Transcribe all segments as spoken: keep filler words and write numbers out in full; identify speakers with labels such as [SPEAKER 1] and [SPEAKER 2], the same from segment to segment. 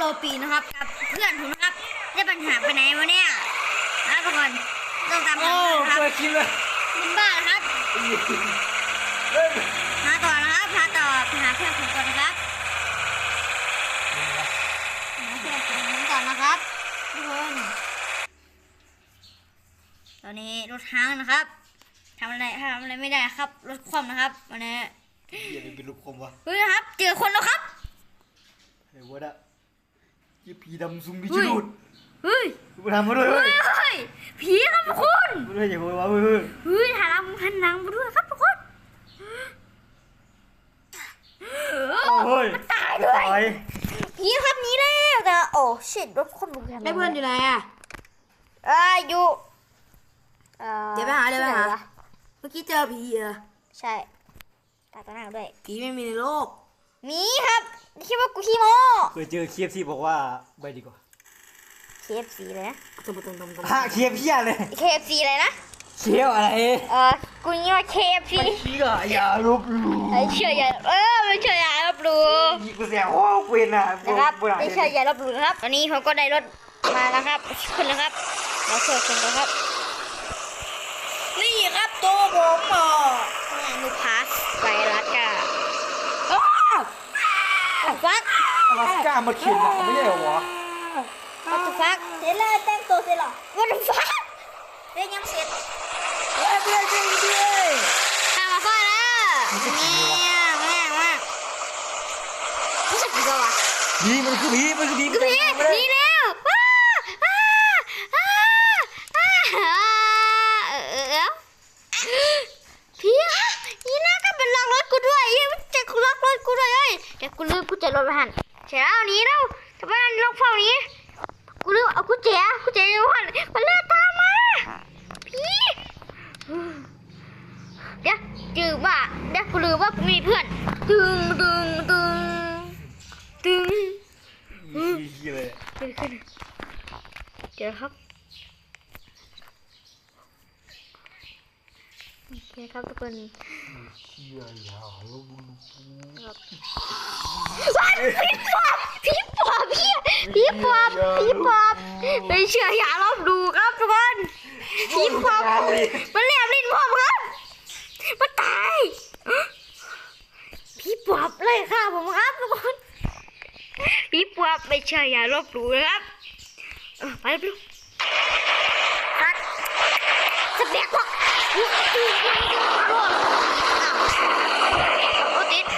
[SPEAKER 1] ลปีนะครับกับเพื่อนผมนะครับได้ปัญหาไปไหนวะเนี่ยนะทุกคนต้องตามหาครับ
[SPEAKER 2] เคยคิดเลย
[SPEAKER 1] คุณบ้านะครับหาต่อนะครับหาต่อหาเพื่อนผมก่อนนะครับหาเพื่อนผมก่อนนะครับทุกคนตอนนี้รถห้างนะครับทำอะไรทำอะไรไม่ได้ครับรถคว่ำนะครับวันนี้
[SPEAKER 2] อย่าไปเป็นลูกคมวะ
[SPEAKER 1] เฮ้ยครับเจอคนแล้วครับ
[SPEAKER 2] เฮ้ยวะดะยี่ผีดำซุ่มพิจูด
[SPEAKER 1] เฮ้ย
[SPEAKER 2] กูทำมาด้วย
[SPEAKER 1] เฮ้
[SPEAKER 2] เฮ้
[SPEAKER 1] ย
[SPEAKER 2] ย
[SPEAKER 1] เฮ้ยผีครับทุกคน
[SPEAKER 2] มาด้วยอย่าโวยวายเฮ้ย
[SPEAKER 1] เฮ้ยถ่ายรำพันหนังมาด้วยครับทุกคน
[SPEAKER 2] เฮ้ย
[SPEAKER 1] ตายด้วย
[SPEAKER 2] ตาย
[SPEAKER 1] ผีครับหนี้แล้วแต่โอ้ชิดรถคนบุก
[SPEAKER 3] ได้เพื่อนอยู่ไหนอ่ะ
[SPEAKER 1] อ่าอยู่อ่อ
[SPEAKER 3] เดี๋ยวไปหาเดี๋ยวไปหา
[SPEAKER 1] ที่นวะ
[SPEAKER 3] เมื่อกี้เจอผีเหรอ
[SPEAKER 1] ใช่ตาตาหน้าด้วย
[SPEAKER 3] ผีไม่มีในโลก
[SPEAKER 1] มีครับคิดว่ากูขี้โม้
[SPEAKER 2] เคยเจอเคียบที่บอกว่าไปดีกว่า
[SPEAKER 1] เค เอฟ ซีเลยนะ
[SPEAKER 3] ตรงตรงตรงตรง
[SPEAKER 2] ฮะเคียบเพี้ยเลย
[SPEAKER 1] เค เอฟ ซีอะไรนะ
[SPEAKER 2] เคียบอะไร
[SPEAKER 1] เออกูนี่ว่า เค เอฟ ซี
[SPEAKER 2] ไม่เชื่ออย่าลบหลู่
[SPEAKER 1] ไอ้เชื่ออย่าเออไม่เชื่ออย่าลบหลู่
[SPEAKER 2] ยิงกูเสียโอ้เวนอ่ะ
[SPEAKER 1] นะครับ
[SPEAKER 2] โบราณ
[SPEAKER 1] ไม่เชื่ออย่าลบหลู่นะครับตอนนี้ผมก็ได้รถมาแล้วครับขึ้นแล้วครับเราเชิญคนแล้วครับ
[SPEAKER 3] นี่ครับตัวผมอ่ะ
[SPEAKER 1] ลูกค้าไวรัสจ้า
[SPEAKER 3] อ้าว
[SPEAKER 1] ฟัก
[SPEAKER 2] อลาสก้ามาเขียนอ่ะไม่ใช่เหรอวะ
[SPEAKER 1] วัตฟักเสร็จแล้วแต่งตัวเสร็จหรอวัตฟักเรียนยังเสร็จ
[SPEAKER 3] เฮ้ยเพื่อนช่วยด้วย
[SPEAKER 1] ทำมาฟ้าแล้วเนี่ยแม่มากรู้สึกดีกว่าวะ
[SPEAKER 2] ผีมันคือผีมันคือผี
[SPEAKER 1] คือผีหนีแล้วว้าว้าว้าว้าเออเออผีครับนี่นะก็เป็นล็อกรถกูด้วยยังจะล็อกรถกูด้วยเอ้ยเดี๋ยวกูลืมกูจะรถไปหันเช้านี้แล้วทำไมมันล็อกเฝ้านี้กูลืมเอากูเจ๋กูเจ๋อยู่หันมันเลื่อนตามมาผีเดี๋ยวจืดว่าเดี๋ยวกูลืมว่ากูมีเพื่อนตึงตึงตึงตึง
[SPEAKER 2] ผีเลย
[SPEAKER 1] ขึ้นขึ้นเจอครับโอเคครับทุกคน
[SPEAKER 2] เชี่ยอย่าลบหลู่
[SPEAKER 1] ว้ายผีปอบผีปอบผีปอบผีปอบไม่เชื่ออย่าลบดูครับทุกคนผีปอบมันเรียบลิ้นผมครับมันตายผีปอบเลยค่ะผมครับทุกคนผีปอบไม่เชื่ออย่าลบดูนะครับไปดูสักสักเด็กพวกโอ้ติด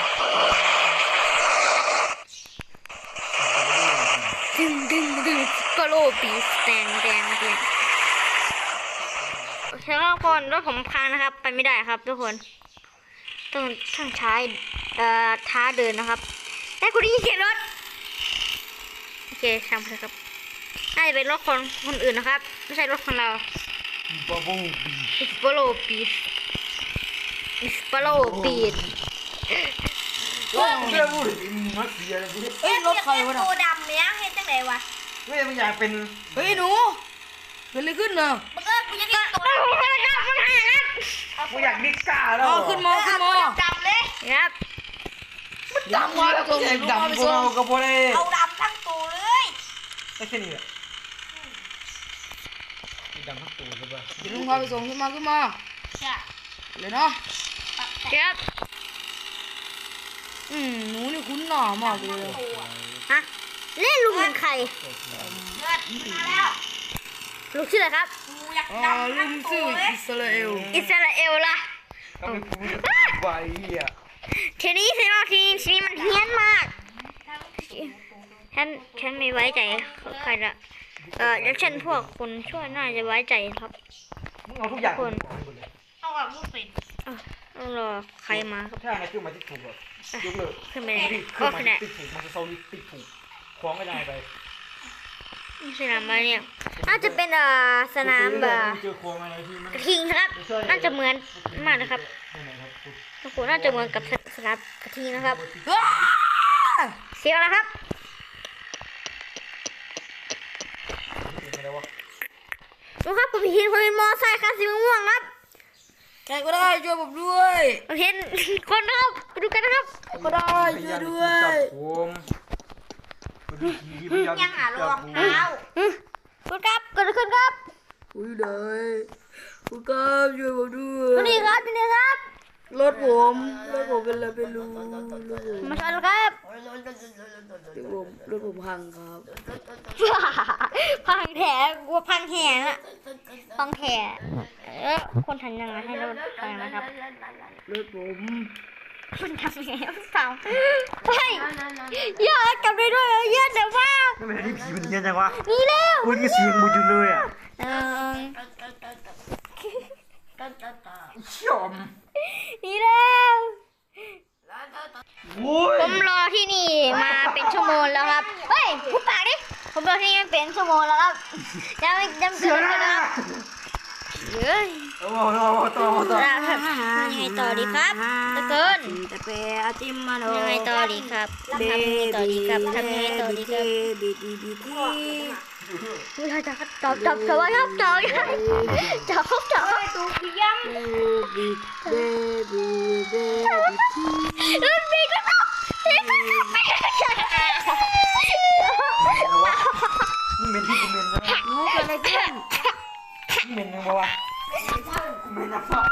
[SPEAKER 1] ดึงดึงดึงกโลปีสแตนแดงแดงโอเคครับทุกคนรถผมพังนะครับไปไม่ได้ครับทุกคนต้องต้องใช้เอ่อท้าเดินนะครับแต่คุณได้ยินเสียงรถโอเคช่างเลยครับน่าจะเป็นรถคนคนอื่นนะครับไม่ใช่รถของเรา
[SPEAKER 2] บับเบิ้ลบี
[SPEAKER 1] อิสโปโลปีดอิสโปโลปีด
[SPEAKER 2] ว้าวเรื่องพูดถึงมัดเสียเลยพี่
[SPEAKER 3] เฮ้ยรถใครวะน่ะ
[SPEAKER 1] ตัวดำเนี้ยเห็นจังไหนวะ
[SPEAKER 2] เฮ้ยมันอยากเป็น
[SPEAKER 3] เฮ้ยหนูเกิดอะไรขึ้นเนอะ
[SPEAKER 1] มึงเออกูยังตัวดำมันหาแล้ว
[SPEAKER 2] กูอยากดิก้าแล้ว
[SPEAKER 3] อ๋อขึ้นมอขึ้นมอ
[SPEAKER 1] ดำเลยครับ
[SPEAKER 2] ดำมาแล้วก็ใหญ่ดำกูเอากระโปรงเลย
[SPEAKER 1] เอาดำทั้งตัวเลย
[SPEAKER 2] ไอ้แค่นี้อ่ะดำทั้งตัวเลยป่ะ
[SPEAKER 3] เดี๋ยวลุงพาไปส่งขึ้นมาขึ้นมา
[SPEAKER 1] ใช่
[SPEAKER 3] เลยเนาะ
[SPEAKER 1] ครับ
[SPEAKER 3] อืมหนูนี่คุ้นหน้ามากเลย
[SPEAKER 1] ฮะเล่นลุงเป็นใคร
[SPEAKER 4] เลือดมาแล้ว
[SPEAKER 1] ลุงชื่ออะไรครับ
[SPEAKER 4] กูอยาก
[SPEAKER 3] อ่า
[SPEAKER 4] ดำ
[SPEAKER 3] ลุ
[SPEAKER 4] ทั้ง
[SPEAKER 3] ง
[SPEAKER 4] ตั
[SPEAKER 3] ชื่อ
[SPEAKER 4] วเลย
[SPEAKER 3] อิสราเอล
[SPEAKER 1] อิสราเอลล่ะ
[SPEAKER 2] ก็เป็นกูไว้อ่ะ
[SPEAKER 1] ทีนี้ทีนี้ทีนี้ทีนี้มันเฮี้ยนมากฉันฉันไม่ไว้ใจใครละเออแล้วฉันพวกคนช่วยน่าจะไว้ใจครับ
[SPEAKER 2] มึงเอาทุกอย่าง
[SPEAKER 4] เอาแบบลูกศิษย์
[SPEAKER 1] ต้องรอใครมาครับ
[SPEAKER 2] ถ้ามาขึ้นมาที่ถูกอ่ะยกเลิก
[SPEAKER 1] ขึ้นไปเลย
[SPEAKER 2] ขึ้
[SPEAKER 1] ก็
[SPEAKER 2] นมา
[SPEAKER 1] ขนาด
[SPEAKER 2] ติดถูกมันจะโซลิติดถูกคล้องไม่ได้ไป
[SPEAKER 1] สนามอะไรเนี่ยน่าจะเป็นเอ่อสนามแบบ
[SPEAKER 2] เจอคล้องอะไรที่มัน
[SPEAKER 1] กระทิงนะครับ น่าจะเหมือนมากนะครับ
[SPEAKER 2] ไหนครับ
[SPEAKER 1] ทุกคนน่าจะเหมือนกับสนามกระทิงนะครับ
[SPEAKER 3] ว้า
[SPEAKER 1] เสียงอะไรครับ
[SPEAKER 2] อะไรวะ
[SPEAKER 1] ดูครับผมเห็นคนเป็นมอไซค์คันสีม่วงครับ
[SPEAKER 3] ใครก็ได้ช่วยผมด้วย
[SPEAKER 1] ผมเห็นคนนะครับไปดูกันนะครับ
[SPEAKER 3] ใครก็ได้ช่วยด้วย
[SPEAKER 2] ผมมาดูผีพี่พยายาม
[SPEAKER 4] ยังหารองเท้า
[SPEAKER 1] คุณครับเกิดอะไรขึ้นครับ
[SPEAKER 3] อุ้ยเลยคุณครับช่วยผมด้วย
[SPEAKER 1] สวัสดีครับสวัสดีครับ
[SPEAKER 3] รถผมรถผมเป็นอะไรไม่รู้รถผม
[SPEAKER 1] มาชนครับ
[SPEAKER 3] รถผมรถผมพังครับ
[SPEAKER 1] พังแถกลัวพังแห่นะพังแห่เออคนทันยังไงให้รถพังนะครับ
[SPEAKER 3] รถผม
[SPEAKER 1] คุณทำยังไงเปล่าเฮ้ยอย่ากลับไปด้วยเยอะเดี๋ยวว่า
[SPEAKER 2] ไม่เป็นที่ผีมันเฮี้ยนจังวะ
[SPEAKER 1] นี่เร็ว
[SPEAKER 2] อุ้ยนี่เสียงมุดอยู่เลยอ่ะ
[SPEAKER 1] เออ
[SPEAKER 2] เชี่ยม
[SPEAKER 1] นี่เร็ว
[SPEAKER 2] โอ้ย
[SPEAKER 1] ผมรอที่นี่มาเป็นชั่วโมงแล้วครับเฮ้ยพูดปากดิผมรอที่นี่มาเป็นชั่วโมงแล้วครับยังไม่ยังเกิดเลยนะครับเฮ้ย
[SPEAKER 2] โอ้โหต่อต่อ
[SPEAKER 1] แล้วครับยังไงต่อดีครับตะเกิน
[SPEAKER 3] แต่เปอาติมมาโน
[SPEAKER 1] ยังไงต่อดีครับทำยังไงต่อดีครับทำยังไงต่อดีครับ
[SPEAKER 3] บีบีบีบี
[SPEAKER 1] เราจะจับจับจับไว้ครับจับจับครับจับตูพี่ยำ
[SPEAKER 3] บีบีบีบี
[SPEAKER 1] รุ่นพี่ก็ต้องพี่ก็ต้องไป
[SPEAKER 2] นี่เป็นที่กูเมนนะ
[SPEAKER 3] หนูเกิดอะไรขึ้น
[SPEAKER 2] นี่เมนยังบ่วะกูเมนนะพ่อ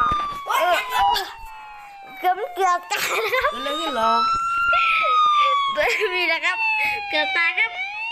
[SPEAKER 1] เกือบเกือบตายแล้ว
[SPEAKER 3] เกิดอะไรขึ้นเหรอ
[SPEAKER 1] มีนะครับ เกือบตายครับ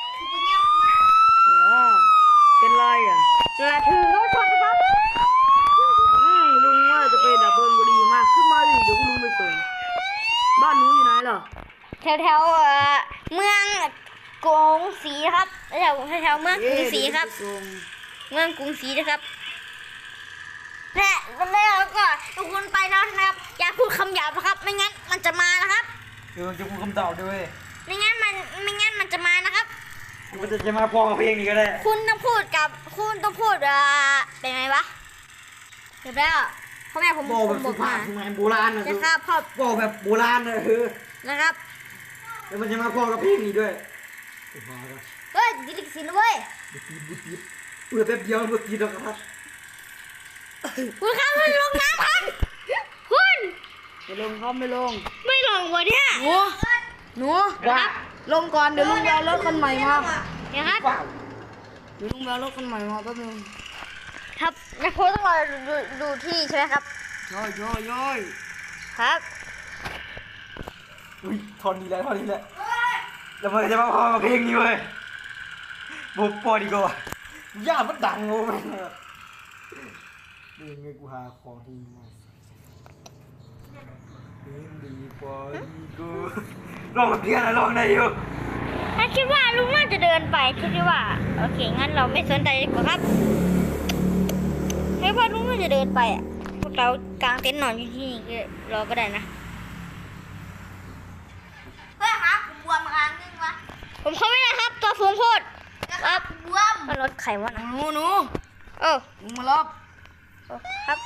[SPEAKER 3] อ๋อเป็นไรอ่ะ
[SPEAKER 1] กระถือรถชนครับ
[SPEAKER 3] อืมลุงว่าจะไปดับเพลิงบุรีมากขึ้นมาดิเดี๋ยวลุงไปส่งบ้านหนูอยู่ไหนเหรอ
[SPEAKER 1] แถวแถวเอ่อเมืองกรุงศรีครับแถวแถวเมืองกรุงศรีครับ เมืองกรุงศรีนะครับและแล้วก็ทุกคนไปแล้วนะครับ อย่าพูดคำหยาบนะครับ ไม่งั้นมันจะมานะครับ
[SPEAKER 2] เดี๋ยวจะพูดคำตอบด้วย
[SPEAKER 1] ไม่งั้นมันไม่งั้นมันจะมานะครับ
[SPEAKER 2] มันจะจะมาพอกับเพลงนี้ก็ได้
[SPEAKER 1] คุณต้องพูดกับคุณต้องพูดเอ่อเป็นไงวะเดี๋ยวแล้วพ่อแม่ผม
[SPEAKER 2] บอก
[SPEAKER 1] ผ
[SPEAKER 2] แบบ
[SPEAKER 1] มบ
[SPEAKER 2] สุ
[SPEAKER 1] อก
[SPEAKER 2] ภา
[SPEAKER 1] มา
[SPEAKER 2] พสมัยโบราณนะ
[SPEAKER 1] จะฆ่าพ่อ
[SPEAKER 2] บอกแบบโบราณนะเออ
[SPEAKER 1] นะครับ
[SPEAKER 2] แล้วมันจะมาพอกับเพลงนี้ด้วย
[SPEAKER 1] เฮ้ยดิลิกสินเว้ย
[SPEAKER 2] บุตรีบุตรีเปิดแป๊บเดียวบุตรีดอกกระทัด
[SPEAKER 1] คุณครับมันลงน้ำครับคุณ
[SPEAKER 3] ไปลงเขาไม่ลง
[SPEAKER 1] ไม่ลงวะเนี่ย
[SPEAKER 3] หนูหนูลงก่อนเดี๋ยวลุงไปเอารถคันใหม่มา
[SPEAKER 1] เนี่ยครับ
[SPEAKER 2] ว้าว
[SPEAKER 3] เดี๋ยวลุงไปเอารถคันใหม่มาแป๊บนึง
[SPEAKER 1] ครับนะโพสต้องรอดูดูที่ใช่ไหมครับ
[SPEAKER 3] ย่อยย่อยย่อย
[SPEAKER 1] ครับ
[SPEAKER 2] อุ้ยทอนนี้แหละทอนนี้แหละแล้วมันจะมาพอกับเพลงนี้เว้ยบุกปอดีกว่าย่ามันดังโง่แม่งเลยนี่ไงกูหาของที่มาเพลงดีปอดีกูลองกับเพี้ยนนะลองได้อยู่
[SPEAKER 1] ถ้าคิดว่าลุงน่าจะเดินไปคิดว่าโอเคงั้นเราไม่สนใจดีกว่าครับคิดว่าลุงน่าจะเดินไปอ่ะพวกเรากางเต็นท์นอนอยู่ที่นี่ก็รอก็ได้นะ
[SPEAKER 4] เพื่อนครับผมบวมครั้งนึงวะ
[SPEAKER 1] ผมเข้าไม่ได้ครับ ตัวสูงโคตร
[SPEAKER 4] ครับบวม
[SPEAKER 1] มันรถไขวะนะ
[SPEAKER 3] หนูหนู
[SPEAKER 1] เออ
[SPEAKER 3] ลุงมารับ
[SPEAKER 1] เออครับ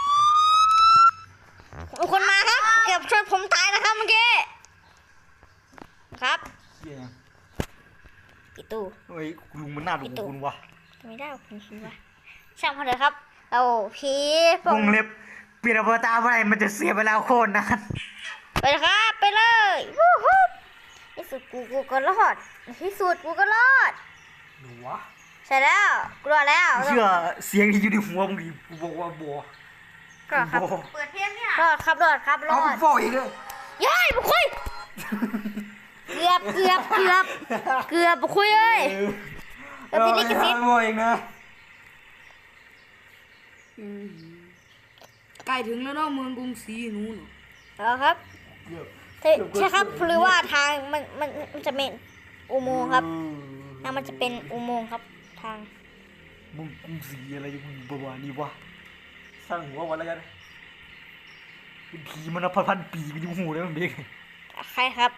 [SPEAKER 1] มีคนมาครับเกือบชนผมตายนะครับเมื่อกี้ครับ
[SPEAKER 2] เหี้ย
[SPEAKER 1] ปิดตู้
[SPEAKER 2] เฮ้ยลุงมันน่าดูคุณวะ
[SPEAKER 1] ไม่ได้คุณคิดว่าช่างเขาเลยครับเราพีพว
[SPEAKER 2] ว
[SPEAKER 1] ก
[SPEAKER 2] งเล็บเปลี่ยนอวตารเมื่อไหร่มันจะเสียเวลาโคตรนาน
[SPEAKER 1] ไปเลยครับ ไปเลยวู้ฮู้ที่สุดกูกูก็รอดที่สุดกูก็รอด
[SPEAKER 2] หนูวะ
[SPEAKER 1] ใช่แล้วกลัวแล้ว
[SPEAKER 2] เชื่อเสียงที่อยู่ในหัวมึงดิกูบอกว่าบัว
[SPEAKER 1] ก็ครับ
[SPEAKER 2] บัว
[SPEAKER 4] เปิดเพลงเนี่ย
[SPEAKER 1] รอดครับรอดครับร
[SPEAKER 2] เอา
[SPEAKER 1] อ
[SPEAKER 2] ไป
[SPEAKER 1] ด
[SPEAKER 2] ฟอกอีกเลย
[SPEAKER 1] ย้ายบุคุยเกือบเกือบเกือบเกือบบุคุยเอ้ย
[SPEAKER 2] เออไม่ทำบัวเองนะ
[SPEAKER 3] อืมใกล้ถึงแล้วเนาะเมืองกรุงศรีหนูเนาะ
[SPEAKER 1] เอาครับ
[SPEAKER 2] เกือบ
[SPEAKER 1] ใช่ใช่ครับหรือว่าทางมันมันมันจะเป็นอุโมงค์ครับทางมันจะเป็นอุโมงค์ครับทาง
[SPEAKER 2] มึงกรุงศรีอะไรอยู่มึงประมาณนี้วะสร้างหัววันแล้วกันเป็นผีมันนับพันๆปีมันอยู่หูแล้วมันเด็ก
[SPEAKER 1] ใครครับ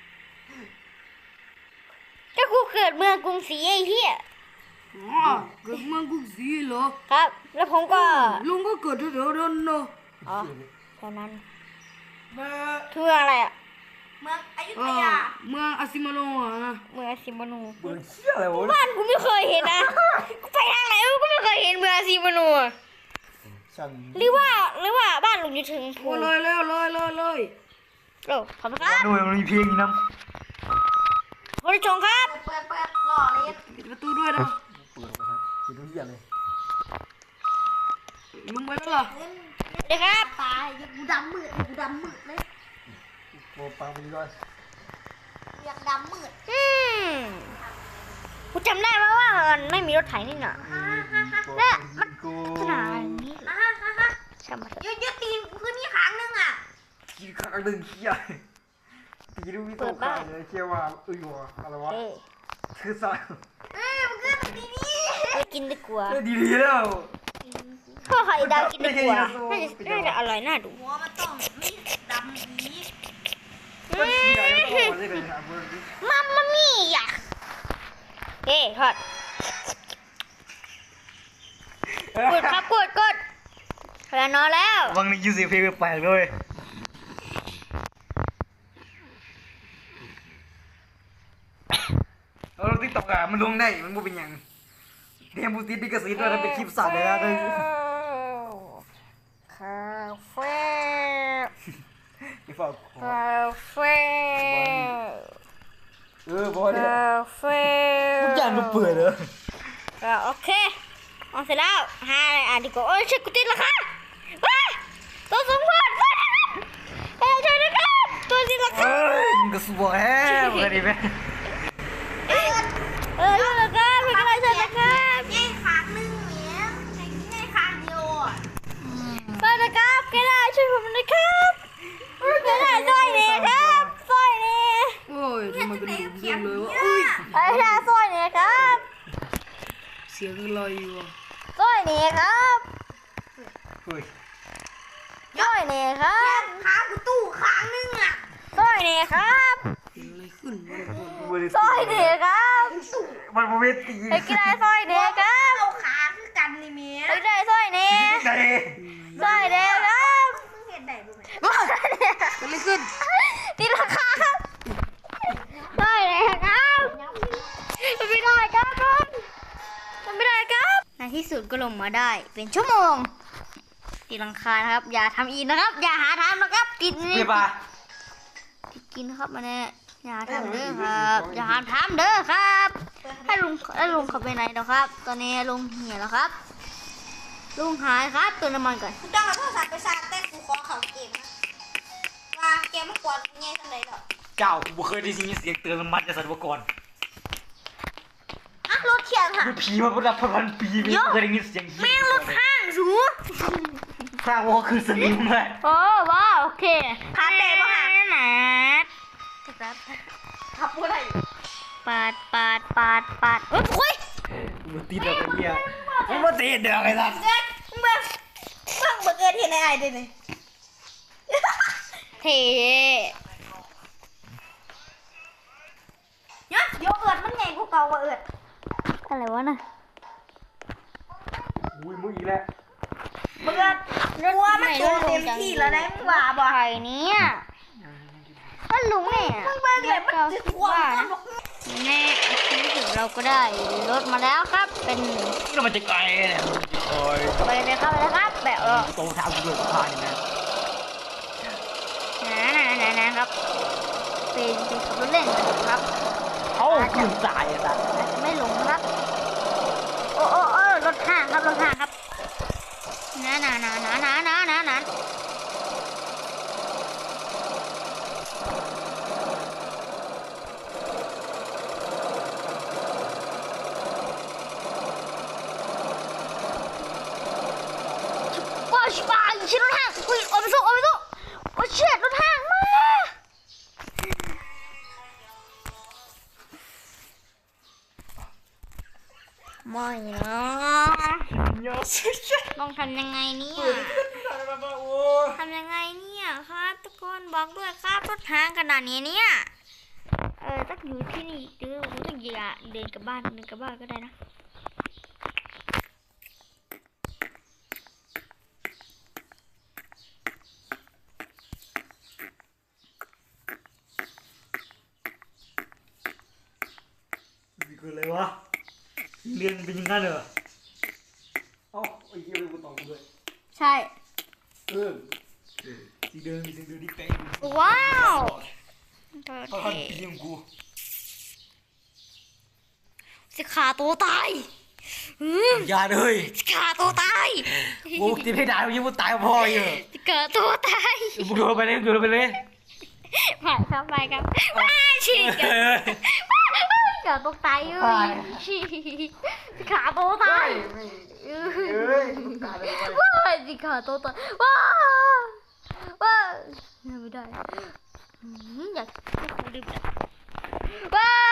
[SPEAKER 1] ก็กูเกิดเมืองกรุงศรีไอ้เหี้ย
[SPEAKER 3] อ๋อเกิดเมืองกรุงศรีเหรอ
[SPEAKER 1] ครับ แล้วผมก็
[SPEAKER 3] ลุงก็เกิดแถวๆนั้นเนาะ
[SPEAKER 1] อ๋อตอนนั้น
[SPEAKER 2] แม่
[SPEAKER 1] คือเมืองอะไรอ่ะ
[SPEAKER 4] เมืองอยุ
[SPEAKER 3] เอ
[SPEAKER 4] ธ
[SPEAKER 3] อย
[SPEAKER 4] า
[SPEAKER 3] เมืองอาซิมาโนะอะนะ
[SPEAKER 1] เมืองอาซิมานู
[SPEAKER 2] เบื่อเชี่ยอะไรวะ
[SPEAKER 1] บ้านกูไม่เคยเห็นนะกูไปทางไหนกูก็ไม่เคยเห็นเมืองอาซิมานูอะ
[SPEAKER 2] ช่าง
[SPEAKER 1] หรือว่าหรือว่าบ้านลุงอยู่ถึงภู
[SPEAKER 3] โอ้เลยแล้วเลยเลยเลย
[SPEAKER 1] โอ้ขอบคุณครับ
[SPEAKER 2] หน่วยมันมีเพลงนี้นะ
[SPEAKER 1] ผบริชงครับ
[SPEAKER 4] เปิดเปิดหล่อเลย
[SPEAKER 3] ปิดประตูด้วยนะ
[SPEAKER 2] เปิดออกไปครับเห็นทุกอย่างเลย
[SPEAKER 3] ลุงไปแล้วเหรอ
[SPEAKER 4] เล่น
[SPEAKER 1] เดี๋ยวครับ
[SPEAKER 4] ตายยังกูดำมืดกูดำมืดเลย
[SPEAKER 2] โอ้ปังไปดีก่อน
[SPEAKER 4] อยากดำมืด
[SPEAKER 1] อืมกูจำได้ไหมว่ามันไม่มีรถไถนี่น่ะ
[SPEAKER 2] เนี่ยมัน
[SPEAKER 1] ขนาดนี้
[SPEAKER 4] อ่ะฮะฮะฮะ
[SPEAKER 1] ช่างมันเถอะ
[SPEAKER 4] ยืดยืดตีนพื้นนี่ครั้งนึงอ่ะ
[SPEAKER 2] กินข้าวหนึ่งเขี้ยตีดูวิโต้ขาเลยเขี้ยว่าอุ้ยวะอะไรวะ
[SPEAKER 1] เอ้ย
[SPEAKER 2] คือสาย
[SPEAKER 4] เอ้ยมันขึ้นดีนี่
[SPEAKER 1] ไปกินดีกว่า
[SPEAKER 2] ดีดีแล้ว
[SPEAKER 1] ข้าวไข่ดาวกินดีกว่าน่าจะน่าจะอร่อยน่าดู
[SPEAKER 4] หัวมันต้องไม่ดำนี้
[SPEAKER 2] ก็เขี้ยยังต้องมาเลยนะเบอร์
[SPEAKER 1] มัมมามี่อ่ะเฮ้ทอดกดครับกดกดเวลานอนแล้ว
[SPEAKER 2] วังนี้ยูซีเพลงแปลกเลย เอาเราติ๊กต็อกอะมันลงได้มันบ่เป็นหยังเตรียมบูติดดิกระสีด้วยถ้าเป็นคลิปสัตว์เลยนะเลย
[SPEAKER 1] คาเฟ่
[SPEAKER 2] พี่ฝาก
[SPEAKER 1] คาเฟ่
[SPEAKER 2] เออบอกเลย
[SPEAKER 1] คาเฟ่
[SPEAKER 2] ทุกอย่างมันเปื่อยเลย
[SPEAKER 1] อ่ะโอเคเอาเสร็จแล้วหาอะไรอ่านดีกว่าโอ้ยเช็คกูติดแล้วค่ะว้าตัวสมควรเอ้ยช่วยด้วยครับตัวติดแล้วค่ะ
[SPEAKER 2] เอ้ยมึงก็สวยแฮะมึงก็ดีไหม
[SPEAKER 1] เออช่วยด้วยครับเป็นอะไรช่วยด้วยครับ
[SPEAKER 4] ง่ายครั้งนึงเหมียใช้ง่ายครั้งเดียวอ่ะ
[SPEAKER 1] ช่วยด้วยครับแกได้ช่วยผมด้วยครับแกได้ช่วยเนี่ยครับช่วยเนี่ย
[SPEAKER 3] โอ้ยทำไมเป็นหลุม
[SPEAKER 4] เขี
[SPEAKER 3] เย
[SPEAKER 4] ย
[SPEAKER 3] อะ
[SPEAKER 4] น
[SPEAKER 3] เลยวะ
[SPEAKER 4] เนี่ย
[SPEAKER 3] อุ้ย
[SPEAKER 1] ไอ้ได้ช่วยเนี่ยครับ
[SPEAKER 3] เสียงลอยอยู่อ่ะ
[SPEAKER 1] ช่วยเนี่ยครับ
[SPEAKER 2] เฮ้ย
[SPEAKER 1] ช่วยเนี่ยครั
[SPEAKER 4] แค่
[SPEAKER 1] บ
[SPEAKER 4] ค้างกูตู้ครั้งนึงอ่ะ
[SPEAKER 1] ช่วยเนี่ยครับ
[SPEAKER 3] เกิดอะไรขึ้นวะ
[SPEAKER 2] บริ
[SPEAKER 1] ช่วยเนี่ยครับ
[SPEAKER 2] มันบ่เวที
[SPEAKER 1] ไอ้กีฬาช่วยเนี่ยครับ
[SPEAKER 4] เอาขาคือกันนี่เมีย
[SPEAKER 1] ไอ้ได้ช่วยเนี่ย
[SPEAKER 2] ไหน
[SPEAKER 1] ช่วยเนี่ยครับ
[SPEAKER 4] มึงเห็นได้บุไหม
[SPEAKER 1] ช่วยเนี่ย
[SPEAKER 3] เกิดอะไรขึ้น
[SPEAKER 1] ตีราคาครับช่วยเนี่ยครับมันไม่ได้ครับมันไม่ได้ครับในที่สุดก็ลงมาได้เป็นชั่วโมงตีลังคานะครับ อย่าทำอีกนะครับ อย่าหาทำนะครับติดนี่
[SPEAKER 2] เปียป่ะ
[SPEAKER 1] ติดกินนะครับมาเนี่ยอย่าหาทำเด้อครับ อย่าหาทำเด้อครับให้ลุงให้ลุงเขาไปไหนแล้วครับ ตอนนี้ลุงเหี่ยแล้วครับ ลุงหายครับตัวน้ำมันก่อน
[SPEAKER 4] กูต้องเอาโทรศัพท์ไปชาร์จแต่กูขอเขาเกมนะว่าเกมมันกวนง่ายทันเลยหรอ
[SPEAKER 2] เจ้ากูบ่เคยได้ยินเสียงเตือนมันจากสัตว์ก่อน
[SPEAKER 1] อ่ะรถเขียงค่ะ
[SPEAKER 2] กูผีมาประดับพันปีไม่เคยได้ยินเสียง
[SPEAKER 1] แม่งรถห้างสู
[SPEAKER 2] สร้างว่าคือสนิมเลย
[SPEAKER 1] โอ้ว้าวโอเค
[SPEAKER 4] ขาเตะป่ะคะ
[SPEAKER 1] หนา
[SPEAKER 4] ขับอะไร
[SPEAKER 1] ปาดปาดปาดปาดโอ้ย
[SPEAKER 2] กูติดอะไรเนี่ยมันมาติดเด้อไอ้สัส
[SPEAKER 4] เกิดมึงเบิ่งเบิ่งเบิ่งเกิดเห็นไอ้ไอ้ดิเนี่ย
[SPEAKER 1] เท่
[SPEAKER 4] ยศโยเอิร์ดมันใหญ่กว่าเก่ากว่าเอิร์ด
[SPEAKER 1] อะไรวะน่ะ
[SPEAKER 2] อุ้ยมึงอีกแล้ว
[SPEAKER 4] เบิร์ดกลัวมันตัวเต็มที่แล้วนะมึงว่าบ่
[SPEAKER 1] ไข่เนี่ยถ้าลุงเนี่ย
[SPEAKER 4] มึงเบิ่งเลยมันจะกลัวมันบอก
[SPEAKER 1] แน่ที่สุดเราก็ได้รถมาแล้วครับ เป็น
[SPEAKER 2] นี่เรามันจะไกลเนี่ยโอ้ย
[SPEAKER 1] ไปเลยครับไปเลยครับแบบเออ
[SPEAKER 2] โตเท้ากูด้วยผ่านนะ
[SPEAKER 1] นะนะนะนะครับเป็นเป็นขับรถเล่นกันครับ
[SPEAKER 2] เอ้าขึ้นสายไอ้สัส
[SPEAKER 1] อาจจะไม่หลงครับ โอ้โอ้โอ้รถห้างครับรถห้างครับนะนะนะนะนะนะนะนะว้าวชิบะชิรถห้างอุ้ยโอ้ไม่สู้โอ้ไม่สู้โอ้เชี่ยรถห้างมาไม่นะ
[SPEAKER 2] ยอดสุดยอด
[SPEAKER 1] ต้องทำยังไงเนี่ยทำยังไงเนี่ยครับทุกคนบอกด้วยครับรถห้างขนาดนี้เนี่ยเออต้องอยู่ที่นี่เดี๋ยวกูต้องอย่าเดินกลับบ้านเดินกลับบ้านก็ได้นะ
[SPEAKER 2] มีคืออะไรวะเรียนเป็นอยังไงเหรอเอ้าไอ้เหี้ยเลยกูตอบกูด้วย
[SPEAKER 1] ใช่
[SPEAKER 2] เออสีเดิมสีเดิมที่เป๊ะ
[SPEAKER 1] ว้าวเธอ
[SPEAKER 2] เขา
[SPEAKER 1] เท่
[SPEAKER 2] ทำปีของกู
[SPEAKER 1] จะฆ่าตัวตายอืม
[SPEAKER 2] อย่าเลย
[SPEAKER 1] จะฆ่าตัวตาย
[SPEAKER 2] กูตีให้ได้ยังมึงตายพออยู่
[SPEAKER 1] จะเกิดตัวตาย
[SPEAKER 2] มึงโดนไปเลยมึงโดนไปเลย
[SPEAKER 1] ไปครับไปครับว้าฉีกกันเกิดตัวตายเอ้ยจะฆ่าตัวตายว้าจะฆ่าตัวตายว้าว้าไม่ได้อยากให้คุณลืมว้า